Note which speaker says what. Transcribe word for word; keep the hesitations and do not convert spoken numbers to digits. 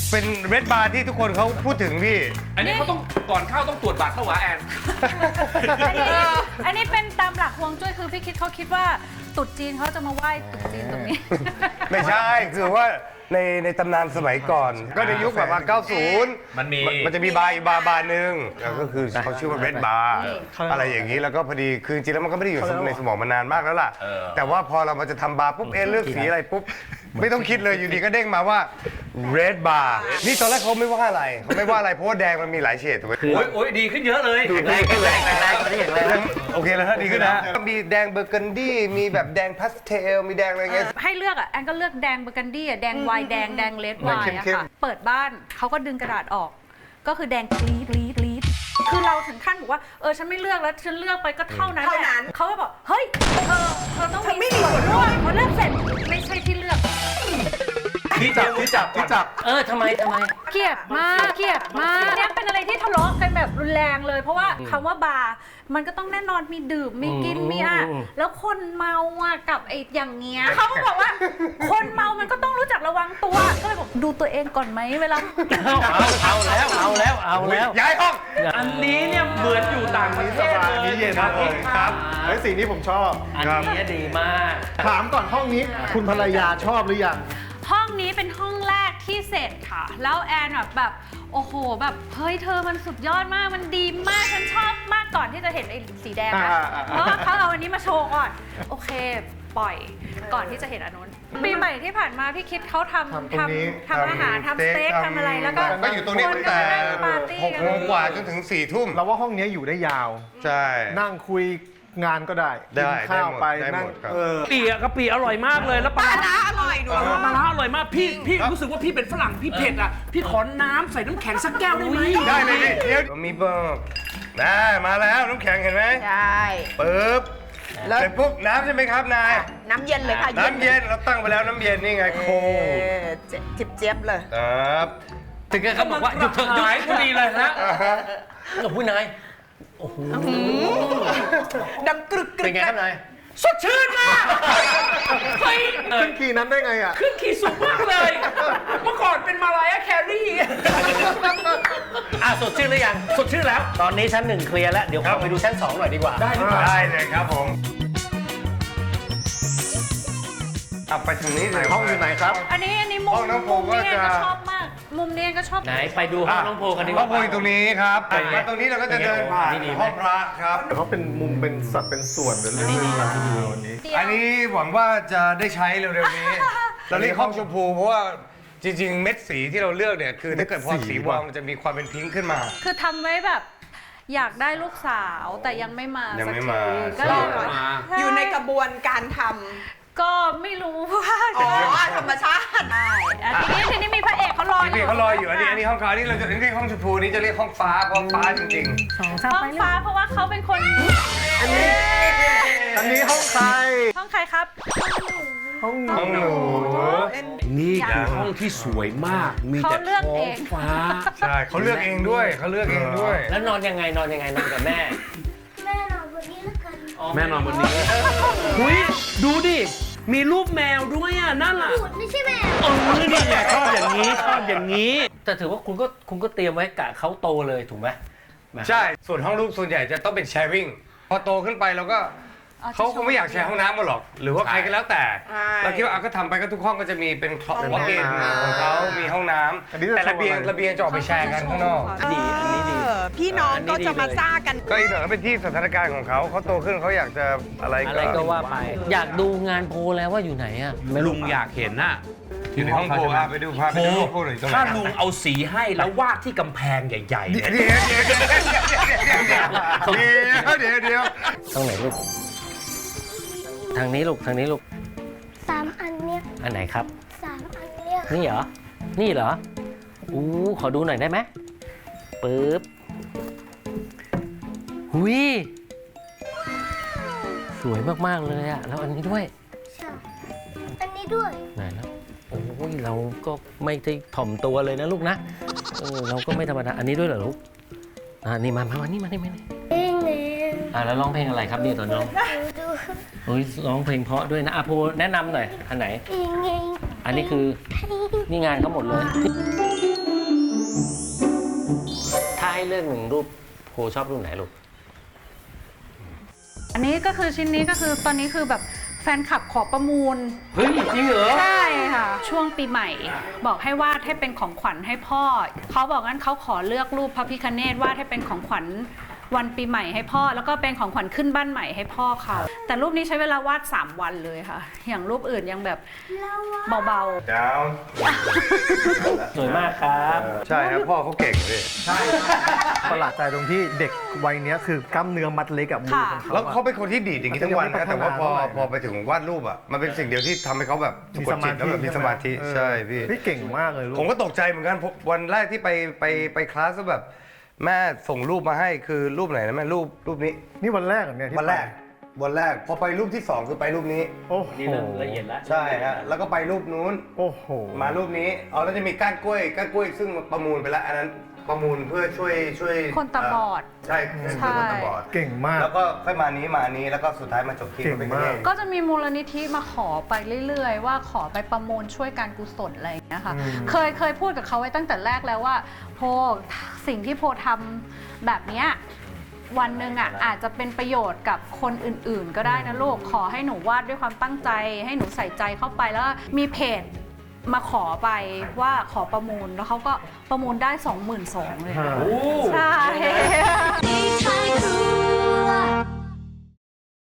Speaker 1: เป็นเรดบาร์ที่ทุกคนเขาพูดถึงพี่
Speaker 2: อันนี้เขาต้องก่อนเข้าต้องตรวจบัตรเข้าหวาแอน
Speaker 3: อันนี้อันนี้เป็นตามหลักฮวงจุ้ยคือพี่คิดเขาคิดว่าตรุษจีนเขาจะมาไหว้ตรุษจีนตรงนี้
Speaker 1: ไม่ใช่คือว่าในในตำนานสมัยก่อน ก็ในยุคแบบว่าเก้าสิบ
Speaker 2: มันมี
Speaker 1: มันจะมีบาร์อีกบาร์บาร์หนึ่งแล้วก็คือเขาชื่อว่าเรดบาร์อะไรอย่างนี้แล้วก็พอดีคือจริงๆแล้วมันก็ไม่ได้อยู่ในสมองมานานมากแล้วล่ะ แต่ว่าพอเรามาจะทำบาร์ปุ๊บเอะเลือกสีอะไรปุ๊บไม่ต้องคิดเลยอยู่ดีก็เด้งมาว่าเรดบาร์นี่ตอนแรกเขาไม่ว่าอะไรเขาไม่ว่าอะไรเพราะว่าแดงมันมีหลายเฉดถูกไหม
Speaker 2: โอ้ยโอ้ยดีขึ้นเยอะเลย
Speaker 4: แรงแรงแรงไม่ได้อย่างแรง
Speaker 1: โอเคแล้วดีขึ้นนะมีแดงเบอร์กันดี้มีแบบแดงพาสเทลมีแดงอะไรเงี้ย
Speaker 3: ให้เลือกอ่ะแอนก็เลือกแดงเบอร์กันดี้อ่ะแดงไวน์แดงแดงเลดไวน์อะ
Speaker 1: เข้ม
Speaker 3: ค่ะเปิดบ้านเขาก็ดึงกระดาษออก ก็คือแดงกรีดกรีดกรีดคือเราถึงขั้นบอกว่าเออฉันไม่เลือกแล้วฉันเลือกไปก็เท่านั้นแหละเขาก็บอกเฮ้ยเธอเธอต้องมีส่วนร่วมพอเลือกเสร็จไม่ใช่ที่เลือก
Speaker 2: ที่จับที่จับที่จับ
Speaker 4: เออทำไมทำไม
Speaker 3: เกลียดมากเกลียดมากเนี่ยเป็นอะไรที่ทะเลาะกันแบบรุนแรงเลย เพราะว่าคำว่าบาร์มันก็ต้องแน่นอนมีดื่มมีกินมีอ่ะแล้วคนเมาอ่ะกับไอ้อย่างเงี้ยเขาก็บอกว่า คนเมามันก็ต้องรู้จักระวังตัวก็เลยบอกดูตัวเองก่อนไหมเวลา
Speaker 4: เอาเอาแล้วเอาแล้วเอาแล้ว
Speaker 1: ย้ายห้อง
Speaker 2: อันนี้เนี่ยเหมือนอยู่ต่างประเทศเลย
Speaker 5: นี่เย็น
Speaker 2: ครับ
Speaker 1: ครับ
Speaker 5: ไอ้สีนี้ผมชอบ
Speaker 4: อันนี้ดีมาก
Speaker 5: ถามก่อนห้องนี้คุณภรรยาชอบหรือยัง
Speaker 3: ห้องนี้เป็นห้องแรกที่เสร็จค่ะ แล้วแอนแบบแบบโอ้โหแบบเฮ้ยเธอมันสุดยอดมากมันดีมากฉันชอบมากก่อนที่จะเห็นไอ้สีแดงนะ
Speaker 5: อ่าอ่า
Speaker 3: เพราะว่าเขาเอาอันนี้มาโชว์ก่อนโอเคปล่อยก่อนที่จะเห็นอันนู้นปีใหม่ที่ผ่านมาพี่คิดเขาทำทำทำอาหารทำสเต็กทำอะไรแล้วก็
Speaker 1: ก็อยู่ตรงนี้ตั้งแต่
Speaker 3: ปาร์ตี้
Speaker 1: หกโมงกว่าจนถึงสี่ทุ่ม
Speaker 5: เราว่าห้องนี้อยู่ได้ยาว
Speaker 1: ใช่
Speaker 5: นั่งคุยงานก็ได้
Speaker 1: ได้
Speaker 5: กินข้าว
Speaker 1: ได้หมด
Speaker 5: ไป
Speaker 1: ได้หมด
Speaker 5: นั่ง
Speaker 1: ครับ
Speaker 5: เออ
Speaker 2: ปีอะกะปิอร่อยมากเลยแล้วปลาร้าอร่อยด้วยปลาร้าอร่อยมากพี่พี่รู้สึกว่าพี่เป็นฝรั่งพี่เผ็ดอ่ะพี่ขอน้ำใส่น้ำแข็งสักแก้วได้ไหม
Speaker 1: ได้เลยดิเดี๋ยวมีเบอร์นะมาแล้วน้ำแข็งเห็นไหม
Speaker 6: ใช่
Speaker 1: ปึ๊บ
Speaker 6: แล้ว
Speaker 1: เสร็จปุ๊บน้ำใช่ไหมครับนาย
Speaker 6: น้ำเย็นเลยค่ะ
Speaker 1: น้ำเย็นเราตั้งไปแล้วน้ำเย็นนี่ไงโค
Speaker 6: เออเจ็บจิบเจี๊ยบเลย
Speaker 1: ครับ
Speaker 4: ถึงกับเขาบอกว่าหยุดเถอะหยุด
Speaker 2: หายพอดีเลยฮะ
Speaker 1: อ่าฮะ
Speaker 4: โอ้โหนายโอ้โห
Speaker 6: ดังกรึกกรึ
Speaker 4: เป็น
Speaker 6: ก
Speaker 4: ไงครับนาย
Speaker 2: สดชื่นมากเฮ้ย
Speaker 5: ขึ้นขี่นั้นได้ไงอ่ะ
Speaker 2: ขึ้นขี่สูงมากเลย เมื่อก่อนเป็นมาลายาแครี่
Speaker 4: อ่ะสดชื่นหรือยัง
Speaker 2: สดชื่นแล้ว
Speaker 4: ตอนนี้ชั้นหนึ่งเคลียร์แล้วเดี๋ยวเข้าไปดูชั้นสองหน่อยดีกว่า
Speaker 2: ได้หรือเปล่า
Speaker 1: ได้เลยครับผมเอาไปทางนี้เลย
Speaker 5: ห้องอยู่ไหนครับ
Speaker 3: อันนี้อันนี้มุม
Speaker 1: ห้องน้องโพ
Speaker 3: มุมนี้
Speaker 1: ก็
Speaker 3: แอน
Speaker 1: จะ
Speaker 3: ก็ชอบมาก มุมนี้แอนก็ชอบ
Speaker 4: ไหนไปดูห้องน้องโพกันดีก
Speaker 1: ห้อ
Speaker 4: ว่าง
Speaker 1: โพอยู่ตรงนี้ครับ
Speaker 4: เป็นไง
Speaker 1: มาตรงนี้เราก็จะเดินผ่าน
Speaker 4: นี่ดีไหม
Speaker 1: ห้องพระครับ
Speaker 5: เขาเป็นมุมเป็นสัดเป็นส่วนเป็นเรื่องราวที่ดีวันนี้
Speaker 3: เดียว
Speaker 1: อันนี้หวังว่าจะได้ใช้เร็วๆนี้ เราเรียกห้องชมพูเพราะว่าจริงๆ เม็ดสีที่เราเลือกเนี่ยคือถ้าเกิดพอสีวางมันจะมีความเป็นพิงค์ขึ้นมา
Speaker 3: คือทำไว้แบบอยากได้ลูกสาวแต่ยังไม่มา
Speaker 1: ยัง
Speaker 3: สัก
Speaker 1: ไม่
Speaker 3: ที
Speaker 1: มา
Speaker 3: ก็เลยแบบ
Speaker 6: อยู่ในกระบวนการท
Speaker 3: ก็ไม่รู้ว่า
Speaker 6: ำอ๋อธรรมชาติ
Speaker 3: ใช่อันนี้ทีนี้มีพระเอกเขารออยู่
Speaker 1: พี่เขารออยู่อันนี้อันนี้ห้องเขาอันนี้เราจะเรียกห้องชมพูนี้จะเรียกห้องฟ้าห้องฟ้าจริง
Speaker 3: ห้องฟ้าเพราะว่าเขาเป็นคน
Speaker 5: อันนี้อันนี้ห้องใคร
Speaker 3: ห้องใครครับ
Speaker 5: ห้องห
Speaker 1: ๆห้องห
Speaker 5: นู
Speaker 1: นู
Speaker 2: นี่คือห้องที่สวยมาก มี
Speaker 3: เขา
Speaker 2: แต่
Speaker 3: เลือก
Speaker 2: ท้อ
Speaker 3: เอง ง
Speaker 2: ฟ้า
Speaker 1: ใช่เขาเลือกเองด้วยเขาเลือกเองด้วย
Speaker 4: แล้วนอนยังไงนอนยังไงนอนกับแม่
Speaker 7: แม่นอนบนนี้แล้วกัน
Speaker 2: แม่นอนบนนี้หุยดูดิ มีรูปแมวด้วยอ่ะนั่นอ่ะ
Speaker 7: พูดไม่ใช่แม่
Speaker 2: เออนี่ไงชอบอย่างนี้ชอบอย่างนี้
Speaker 4: แต่ถือว่าคุณก็คุณก็เตรียมไว้กะเขาโตเลยถูกไหม
Speaker 1: ใช่ส่วนห้องลูกส่วนใหญ่จะต้องเป็น sharing พอโตขึ้นไปเราก็เขาคงไม่อยากแชร์ห้องน้ำมาหรอก หรือว่าใครก็แล้วแต่
Speaker 6: ใช่
Speaker 1: เราคิดว่าเอาก็ทำไปก็ทุกห้องก็จะมีเป็นคลอสวอล์กอินของเขามีห้องน้
Speaker 5: อันนี้
Speaker 1: ำ
Speaker 5: จะ
Speaker 1: แต่ระเบียง
Speaker 5: โชว์อะไร
Speaker 1: ระเบียงจะออกไปแชร์กันข้างนอก
Speaker 4: ดีอันนี้ดี
Speaker 6: เออพี่น้องก็จะมาซ่ากัน
Speaker 1: ก็อีกหน่อยก็เป็นที่สถานการณ์ของเขาเขาโตขึ้นเขาอยากจะอะไร
Speaker 4: อะไรก็ว่าไป อยากดูงานโพลแล้วว่าอยู่ไหนอ่ะ
Speaker 2: ลุงอยากเห็นน่ะ
Speaker 1: อยู่ในห้องโพลอ่ะไปดูพาไป
Speaker 2: โพ
Speaker 1: ดูห้องโพลหน่อยตรงไหน
Speaker 2: ถ้าลุงเอาสีให้แล้ววาดที่กำแพงใหญ่ๆ
Speaker 1: เดี๋
Speaker 2: เนี่ย
Speaker 1: วยเดี๋ยวเดี๋ยวเดี๋ยวเดี๋ยวเดี๋ยวเดี๋ยวเดี๋ยวเดี๋ยว
Speaker 4: ตรงไหนลูก ทางนี้ลูกทางนี้ลูก
Speaker 7: สามอันเนี้ย
Speaker 4: อันไหนครับ
Speaker 7: สามอันเนี้ย
Speaker 4: นี่เหรอ นี่เหรอ อู้ขอดูหน่อยได้ไหมปึ๊บ หุยสวยมากๆเลยอะแล้วอันนี้ด้วย
Speaker 7: ใช่อันนี้ด้วย
Speaker 4: ไหนแล้วโอ้ยเราก็ไม่ได้ถ่อมตัวเลยนะลูกนะเออเราก็ไม่ธรรมดาอันนี้ด้วยเหรอลูกอ่านี่มามามานี่มานี่มานี่
Speaker 7: เองเอง
Speaker 4: อ่าแล้วร้องเพลงอะไรครับนี่ตอนน้อง
Speaker 7: ดูดู
Speaker 4: โอ้ยร้องเพลงเพราะด้วยนะอาโพแนะนำหน่อยอันไหน
Speaker 7: เองเอง
Speaker 4: อันนี้คือนี่งานเขาหมดเลย ถ้าให้เลือกหนึ่งรูปโพชอบรูปไหนลูก
Speaker 3: อันนี้ก็คือชิ้นนี้ก็คือตอนนี้คือแบบแฟนคลับขอประมูล
Speaker 4: เฮ้ย จริงเหรอ
Speaker 3: ใช่ค่ะ ช่วงปีใหม่ บอกให้วาดให้เป็นของขวัญให้พ่อ เขาบอกงั้นเขาขอเลือกรูปพระพิฆเนศวาดให้เป็นของขวัญวันปีใหม่ให้พ่อ แล้วก็เป็นของขวัญขึ้นบ้านใหม่ให้พ่อเขา แต่รูปนี้ใช้เวลาวาดสามวันเลยค่ะ อย่างรูปอื่นยังแบบเบาๆ
Speaker 1: ดาว
Speaker 4: สวยมากครับ
Speaker 1: ใช่ครับพ่อเขาเก่งเลย
Speaker 5: ใช่ประหลาดใจตรงที่เด็กวัยเนี้ยคือกล้ามเนื้อมัดเล็กกับมือของเขา
Speaker 1: แล้ว
Speaker 5: อะ
Speaker 1: เขาเป็นคนที่ดีดอย่างนี้ทั้งวันนะแต่ว่าพอ
Speaker 5: มันจะยังไม่พัฒนาเท่าไหร่
Speaker 1: พอไปถึงวาดรูปอ่ะมันเป็นสิ่งเดียวที่ทำให้เขาแบบสะกดจิตแล้วแบบมีสมาธิ
Speaker 5: เออ
Speaker 1: ใช่พี่
Speaker 5: พี่เก่งมากเลยลูก
Speaker 1: ผมก็ตกใจเหมือนกันผมวันแรกที่ไปไปไปคลาสก็แบบ แม่ส่งรูปมาให้คือรูปไหนนะแม่รูปรูปนี้
Speaker 5: นี่วันแรกเหรอเนี่ยที่
Speaker 1: วันแรกวันแรกพอไปรูปที่สองคือไปรูปนี้
Speaker 5: โอ้โห
Speaker 4: นี่เริ่มละเอียดแล้ว
Speaker 1: ใช่ฮะแล้วก็ไปรูปนู้น
Speaker 5: โอ้โห
Speaker 1: มารูปนี้เอาแล้วจะมีก้านกล้วยก้านกล้วยซึ่งประมูลไปแล้วอันนั้นประมูลเพื่อช่วยช่วย
Speaker 3: คนตาบอด
Speaker 1: ใช่ช่วยคนตาบอด
Speaker 5: เก่งมาก
Speaker 1: แล้วก็ค่อยมานี้มาอันนี้แล้วก็สุดท้ายมาจบที่
Speaker 5: เก่ง
Speaker 1: เป็น
Speaker 5: มาก
Speaker 3: ก็จะมีมูลนิธิมาขอไปเรื่อยๆ ว่าขอไปประมูลช่วยการกุศลอะไรอย่างเงี้ยค่ะ
Speaker 5: อืม
Speaker 3: เคยเคยพูดกับเขาไว้ตั้งแต่แรกแล้วว่าโพสิ่งที่โพทำแบบเนี้ยวันหนึ่งอ่ะอาจจะเป็นประโยชน์กับคนอื่นๆ ก็ได้นะลูกขอให้หนูวาดด้วยความตั้งใจ ให้หนูใส่ใจเข้าไปแล้วมีเพจมาขอไปว่าขอประมูลแล้วเขาก็ประมูลได้ สองหมื่นสองพัน เลยค่ะ
Speaker 5: โอ้
Speaker 3: ใช่
Speaker 7: ให้เธอรู้